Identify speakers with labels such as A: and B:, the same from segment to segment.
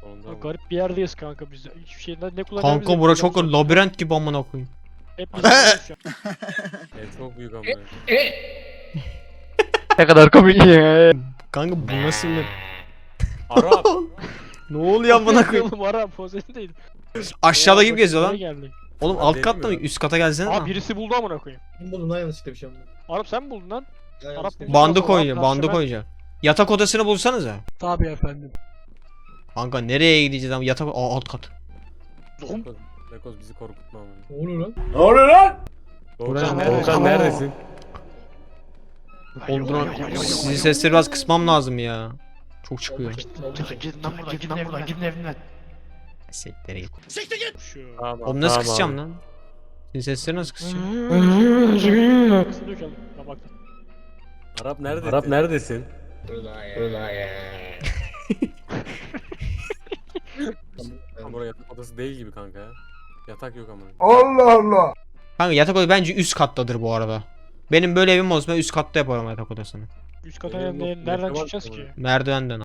A: sonunda.
B: Garip bir yerdeyiz kanka biz. Hiçbir şey ne kullanacağımızı
C: Kanka bura çok labirent gibi amına koyayım.
B: Hep biz şu an.
A: Ev çok büyük ama.
B: Ne kadar komik ya.
C: Kanka bu nasıl bir...
A: Arap.
C: Ne oluyor amına koyayım?
B: Oğlum ara pozisyon değil.
C: Aşağıda gibi geziyor lan.
B: Geldi.
C: Oğlum
A: Ben
C: alt katta mı?
A: delirmiyorum.
C: Üst kata gelsene
B: Aa
C: lan.
B: birisi buldu amına koyayım.
D: Ben buldum lan yanlışlıkla bir şey buldum.
B: Arap sen mi buldun lan?
D: Ya
B: Arap
D: yanlışlıkla bir
B: buldu.
C: Bandı
B: Arap
C: koyacak, bandı
B: karşıma-
C: koyacak. Yatak odasını bulsanıza.
B: Tabii efendim.
C: Kanka nereye gideceğiz ama yatak... Aa, alt kat.
A: Bekoz bizi korkutma ama.
D: Ne oluyor lan?
A: Volkan,
B: nerede?
A: Volkan neredesin?
C: Sizin sesleri biraz kısmam lazım ya. Çok çıkıyor.
B: Gidin lan buradan gidin buradan gidin evinden.
C: Sektere git.
B: Şu.
A: Tamam,
C: Oğlum nasıl
A: tamam
C: kısacağım
A: abi.
C: lan? Sizin sesleri nasıl kısacağım?
B: Kısılıyor ki ben baktım.
A: Arap neredesin? Arap neredesin? Ama burası yatak odası değil gibi kanka ya. Yatak yok ama.
C: Kanka yatak odası bence üst kattadır bu arada. Benim böyle evim olsa ben üst katta yaparım yatak odasını.
B: Üst kata
A: Benim yok,
B: nereden
A: yaşamak
B: çıkacağız
A: da
B: ki?
A: var.
C: Merdivenden.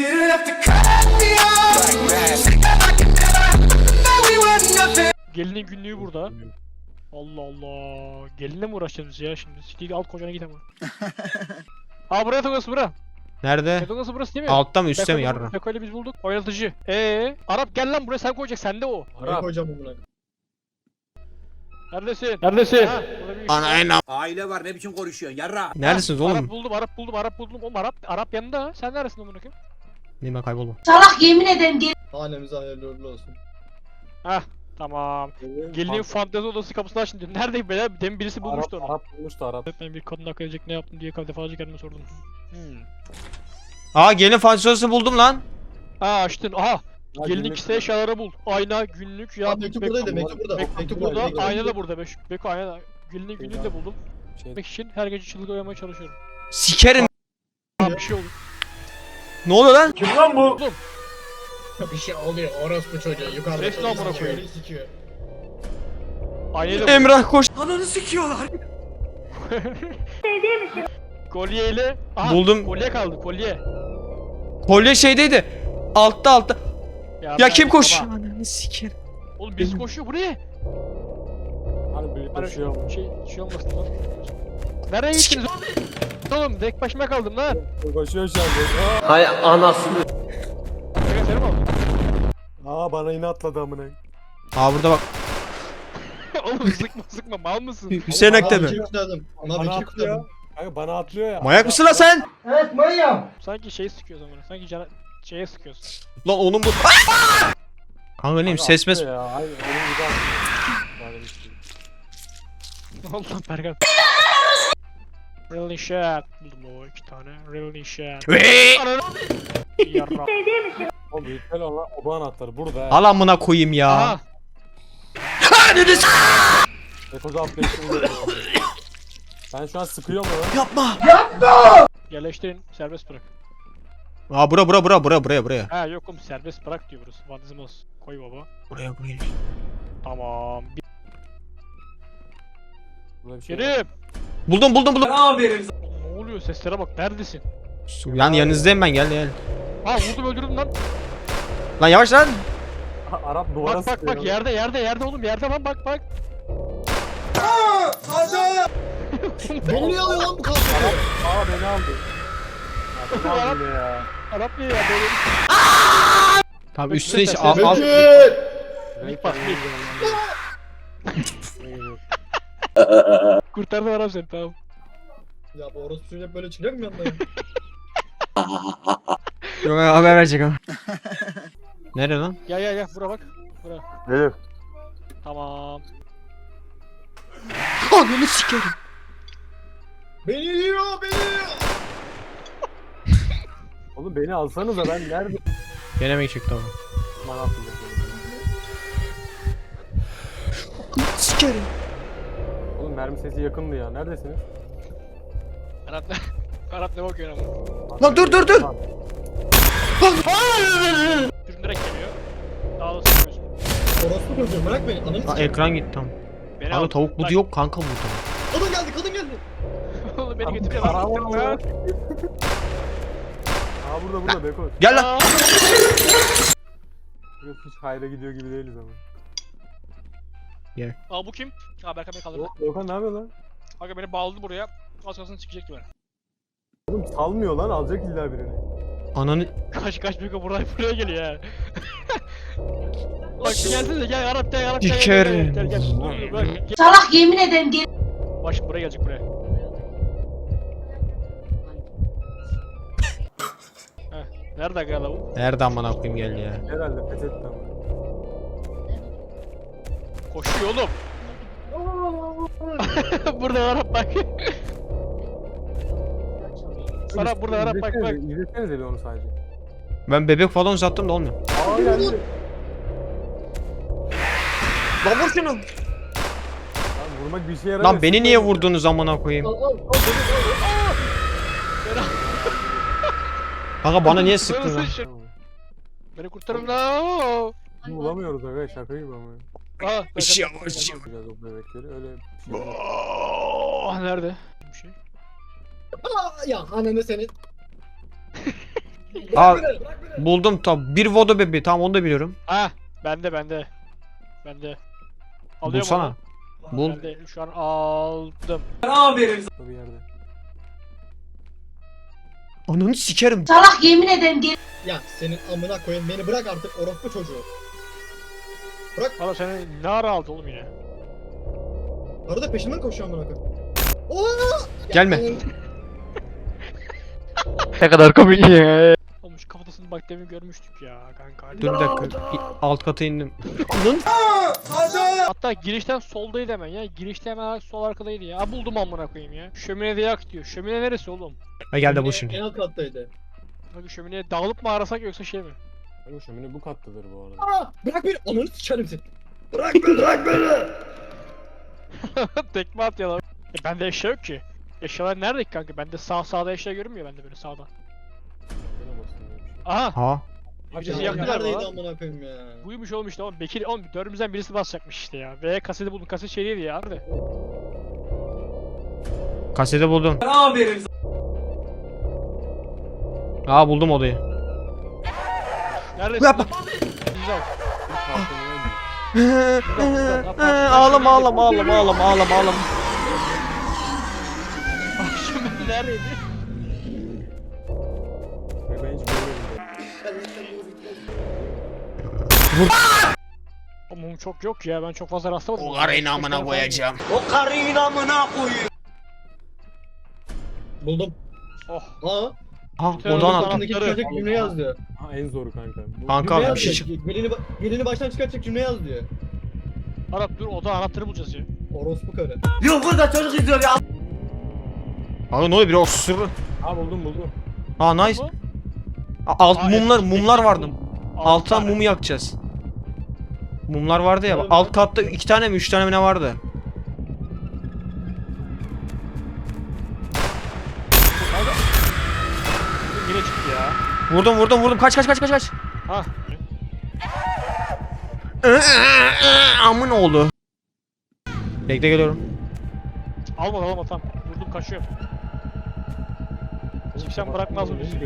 B: Gelinin günlüğü burada. Allah Allah. Gelinle mi uğraşacağız biz ya şimdi? Siktir alt kocana git ama. Aa buraya yatak odası bura.
C: Nerede?
B: Yatak odası burası değil mi?
C: Altta mı üstte mi
B: Beko'yla-
C: yarra?
B: Beko'yla biz bulduk. Oynatıcı. Arap gel lan buraya sen koyacaksın sende o.
D: Ne
A: Arap.
D: koyacağım bunu?
B: Neredesin? Neredesin? Ha, burada bir
C: Ana en
E: Aile var ne biçim konuşuyorsun yarra.
C: Neredesiniz
B: Arap
C: oğlum?
B: buldum. Oğlum Arap yanında. Sen neredesin amına koyayım?
C: Neyim ben kayboldum.
F: Salak yemin ederim geri.
D: Hanemize hayırlı uğurlu olsun.
B: Tamam. Gelinin fantezi odası kapısını açın diyor. Neredeyim beyler? Demin birisi bulmuştu onu.
A: Arap bulmuştu Arap.
B: Ben bir kadın hak edecek ne yaptım diye defalarca kendime sordum.
C: Aa gelin fantezisi buldum lan.
B: Açtın. Aha.
A: Ha,
B: Gelinin
A: günlük-
B: kişisel eşyaları bul. Ayna, günlük, ya.
D: Aa, mektup buradaydı, mektup burada.
B: Mektup
D: burada,
B: burada.
D: mektup
B: Ayna da burada. Beko ayna da. Gelinin günlüğünü de buldum.
A: Şey,
B: Gitmek için her gece çılgın oynamaya çalışıyorum.
C: Sikerim.
B: Tamam bir şey oldu.
C: Ne oluyor lan?
D: Bir şey oluyor orospu çocuğu yukarıda.
B: Resmi amına
D: sikiyor,
B: koyayım.
D: sikiyor.
B: Aynayla buldum.
C: Emrah koş.
B: Kolyeyle. Aha,
C: Buldum.
B: Kolye kaldı kolye.
C: Kolye şeydeydi. Altta. Ya
B: ben-
C: kim koş?
B: Baba,
C: Ananı sikerim.
B: Oğlum birisi koşuyor bu ne?
A: hani büyük koşuyor ama.
B: Şey olmasın lan. Nereye gittiniz oğlum? Tek başıma kaldım lan.
A: Koşuyor şu an.
E: Hay anasını.
B: Seni mi aldın?
A: Aa bana yine atladı amına.
C: Aa burada bak.
B: Oğlum sıkma mal mısın?
C: Hüseyin
D: Ona
C: Akte
D: bir
C: mi?
D: şey kutladım. Ona bir
A: Bana
D: şey
A: atlıyor.
D: kutladım.
A: Kanka bana atlıyor ya.
C: Manyak mısın lan sen?
B: Sanki şey sıkıyoruz ama. Sanki şeye sıkıyoruz.
C: Lan onun bu... Kanka neyim
A: Kanka
C: ses mes...
A: atlıyor ya. Hayır onun gibi atlıyor. Yani işte.
B: Allah Berkan. Really shit. Buldum o 2 tane. Really shit. Ananı. Yarra.
A: Oğlum büyük lan oba anahtarı burada ya.
C: Al amına koyayım ya.
B: Aha.
A: Ekoz atlayışını Ben şu an sıkıyorum onu.
C: Yapma.
B: Yerleştirin. Serbest bırak.
C: Aa buraya.
B: Ha yok oğlum serbest bırak diyor burası. Vandizm olsun. Koy baba.
C: Buraya.
B: Tamam.
A: Burada bir şey var.
B: Kerim.
C: Buldum.
B: Ne oluyor seslere bak. Neredesin?
C: Yan yanınızdayım ben gel.
B: Ha vurdum öldürdüm lan.
C: Lan yavaş lan.
A: Arap duvara
B: Bak
A: sıkıyor.
B: yerde oğlum yerde lan bak.
D: Beni niye alıyor lan bu kalkıyor?
A: Aa beni aldı. Ya beni aldı yine ya.
B: Arap niye ya böyle?
C: Tamam üstüne
B: Bekle,
C: hiç
B: sen-
C: al.
D: Bekir!
B: Mik bak mik. Kurtardım Arap seni tamam.
D: Ya bu orospu çocuğu hep böyle çıkacak mı yanına?
C: Yok haber verecek ama. Nerede lan?
B: Gel bura bak. Bura.
A: Gelir.
B: Tamam.
C: Ananı sikerim.
D: Beni yiyor beni.
A: Oğlum beni alsanıza ben nerede?
C: Denemek çıktı ama.
A: Bana atlayacak.
C: Sikerim.
A: Oğlum mermi sesi yakındı ya. Neredesiniz?
B: Arap ne bakıyor ama?
C: Lan dur.
A: Tamam.
B: Sürünerek geliyor. Daha da sıkıyorsun.
D: Orospu çocuğu bırak beni. Ananı
C: Aa,
D: sikeyim.
C: ekran gitti tam.
B: Beni
C: Kanka
B: al.
C: tavuk budu
B: Bak,
C: yok kanka burada.
D: Kadın geldi.
B: Oğlum beni götürüyor lan.
A: Araba
B: Gittim
A: var.
B: lan.
A: Aa burada Beko.
C: Gel lan.
B: Aa,
A: hiç hayra gidiyor gibi değiliz ama.
B: Aa bu kim? Aa Berkan beni kaldırdı.
A: Doğukan ne yapıyor lan?
B: Kanka beni bağladı buraya. Az kalsın çıkacak gibi.
A: Oğlum salmıyor lan, alacak illa birini.
C: Ananı...
B: Kaç Beko buraya geliyor ya. Bak gelsene gel Arap gel Arap gel.
C: Dikerim.
B: Gel. Dur, bırak, gel.
F: Salak yemin ederim gel.
B: Bak şimdi buraya gelecek buraya. Heh, nerede gel bu?
C: Nerede amına koyayım geldi ya.
A: Herhalde pes etti ama.
B: Koşuyor oğlum. Burada Arap bak. Arap burada Arap bak bak.
A: İzlesenize bir onu sadece.
C: Ben bebek falan uzattım da olmuyor.
A: Aa geldi.
C: Lan vur şunu.
A: Lan vurmak bir işe yaramıyor.
C: Lan beni niye vurdunuz amına koyayım? Kanka bana niye sıktın lan?
B: Beni kurtarın la.
A: Bulamıyoruz aga, şaka gibi ama.
B: Aa,
C: Işığı
B: Berkan-
C: ışığı.
A: Yapacağız o bebekleri, öyle bir şey yok.
B: Oh, nerede? Bir şey.
D: Ya ananı senin.
C: Aa buldum tam. Bir vodo bebeği tamam onu da biliyorum.
B: Ha, bende. Bende. Alıyorum
C: Bulsana.
B: onu.
C: Bul.
B: Ben de şu an aldım.
A: Bir yerde.
C: Ananı sikerim.
F: Salak yemin ederim gel.
D: Ya senin amına koyayım, beni bırak artık orospu çocuğu.
B: Valla seni ne ara aldı oğlum yine?
D: Arada peşimden koşuyor amına koyayım. Oo!
C: Gelme.
B: Ne kadar komik ya. Oğlum şu kafatasını bak demin görmüştük ya kanka. Hadi.
C: Dur bir dakika. Alt kata indim. Anın.
B: Hatta girişten soldaydı hemen ya. Girişte hemen sol arkadaydı ya. Aa, buldum amına koyayım ya. Şöminede yak diyor. Şömine neresi oğlum?
C: Ha geldi bu
D: En
C: şimdi.
D: alt kattaydı.
B: Bak şömineye dağılıp mı arasak yoksa şey mi?
A: Aga şömine bu kattadır bu arada.
D: Aa, bırak beni, ananı sikerim seni.
B: Tekme at ya lan. Bende eşya yok ki. Eşyalar nerede ki kanka? Bende sağda eşya görünmüyor bende böyle sağda.
A: Bana basın diye bir şey.
B: Aha!
C: Ha.
B: Birisi
D: Ya
B: yaktı galiba
D: neredeydi
B: lan.
D: amına koyayım ya.
B: Buymuş oğlum işte oğlum. Bekir oğlum dördümüzden birisi basacakmış işte ya. Ve kaseti buldum. Kaset şey değildi ya. Nerede?
C: Kaseti buldum. Aa buldum odayı.
B: Neredesin?
C: Yapma.
B: Güzel.
C: Ağlama ağlama ağlama ağlama ağlama ağlama.
B: Bak şimdi neredeydi?
A: Ve ben hiç görmedim.
B: Mum çok yok ya. Ben çok fazla rastlamadım.
C: O karıyı amına koyacağım.
D: Buldum.
B: Oh.
D: Aa,
C: Ha
B: Tövbe
C: odan
B: sana.
C: aldım.
D: altındaki çıkacak cümle yaz diyor.
A: Ha en zoru kanka. Bu-
C: Kanka
D: Cümle
C: bir
D: yaz
C: şey
D: diyor.
C: çık.
D: Gelini baştan çıkartacak cümle yaz diyor.
B: Arap dur oda anahtarı bulacağız ya.
D: Orospu karı.
C: Abi ne oluyor biri osurur.
A: Ha buldum.
C: Ha nice.
B: Bu?
C: Alt
B: Aa,
C: mumlar vardı. Alttan
B: tane.
C: mumu yakacağız. Mumlar vardı ya.
D: Tamam.
C: Alt katta 2 tane mi 3 tane mi ne vardı?
B: Yine çıktı ya.
C: Vurdum kaç.
B: Ha.
C: Amın oğlu. Bekle geliyorum.
B: Alma tamam. Vurdum kaçıyorum. Çıkacağım bırakmaz mı bizi?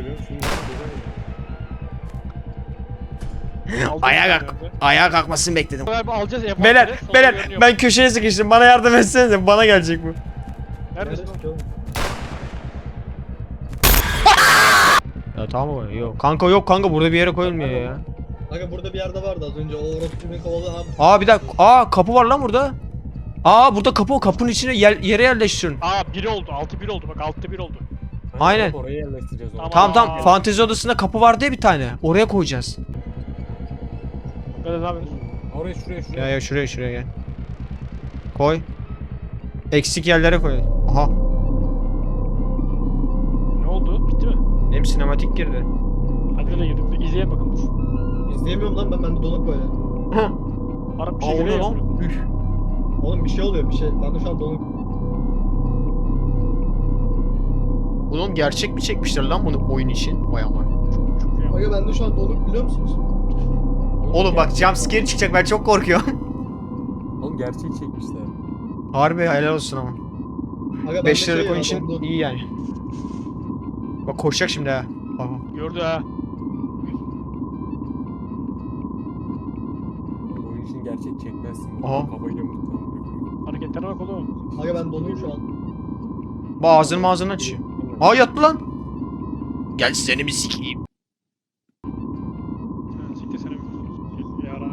B: Aldım
C: Ayağa
B: bir
C: kalk.
B: tane.
C: Ayağa kalkmasını bekledim.
B: Galiba alacağız envantere.
C: Beyler
B: Solda
C: beyler
B: görünüyor.
C: ben köşeye sıkıştım. Bana yardım etsenize. Bana gelecek bu.
B: Neredesin?
D: Neresi oğlum?
C: Ya tamam mı? Yok. Kanka yok kanka burada bir yere koyulmuyor ya.
D: Aga burada bir yerde vardı az önce, o orospu beni kovaladı abi.
C: Aa bir dakika. Aa kapı var lan burada. Aa burada kapı o. Kapının içine yere yerleştirin.
B: Aa 1 oldu. 6-1 oldu. Bak 6-1 oldu.
C: Aynen.
A: Oraya yerleştireceğiz onu.
C: Tamam. Fantezi odasında kapı vardı ya bir tane. Oraya koyacağız.
B: Böyle ne yapıyorsun?
A: Oraya şuraya.
C: Ya şuraya gel. Koy. Eksik yerlere koy. Aha.
B: Ne oldu? Bitti mi?
C: Benim sinematik girdi.
B: Hadi de girdik. İzleyelim bakın dur.
D: İzleyemiyorum lan, bende donuk böyle.
B: Arap bir
C: Aa
B: şey
C: o ne
B: geliyor.
C: lan? Üf.
D: Oğlum bir şey oluyor, bir şey. Bende şu an donuk.
C: Oğlum gerçek mi çekmişler lan bunu oyun için? Vay aman.
B: Çok iyi.
D: Aga bende şu an donuk, biliyor musunuz?
C: Oğlum bak jumpscare çıkacak ben çok korkuyorum.
A: Oğlum gerçeği çekmişler.
C: Harbi helal olsun ama.
D: Aga
C: 5
D: bende
C: liralık oyun
D: ya,
C: için
D: dondu.
C: iyi yani. Bak koşacak şimdi ha. Aha.
B: Gördü ha.
A: gerçek çekmezsin.
C: Aha.
A: Kafayı yamuk.
B: Hareketlere bak oğlum.
G: Aga ben donuyum şu an.
C: Bu ağzını ağzını açıyor. Aa yattı lan. Gel seni bir sikeyim.
B: Siktir seni. Yara.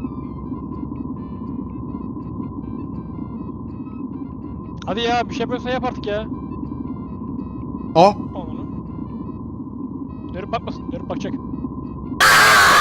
B: Hadi ya bir şey yapıyorsan yap artık ya.
C: Aa
B: Onu. Dönüp bakmasın. Dönüp bakacak.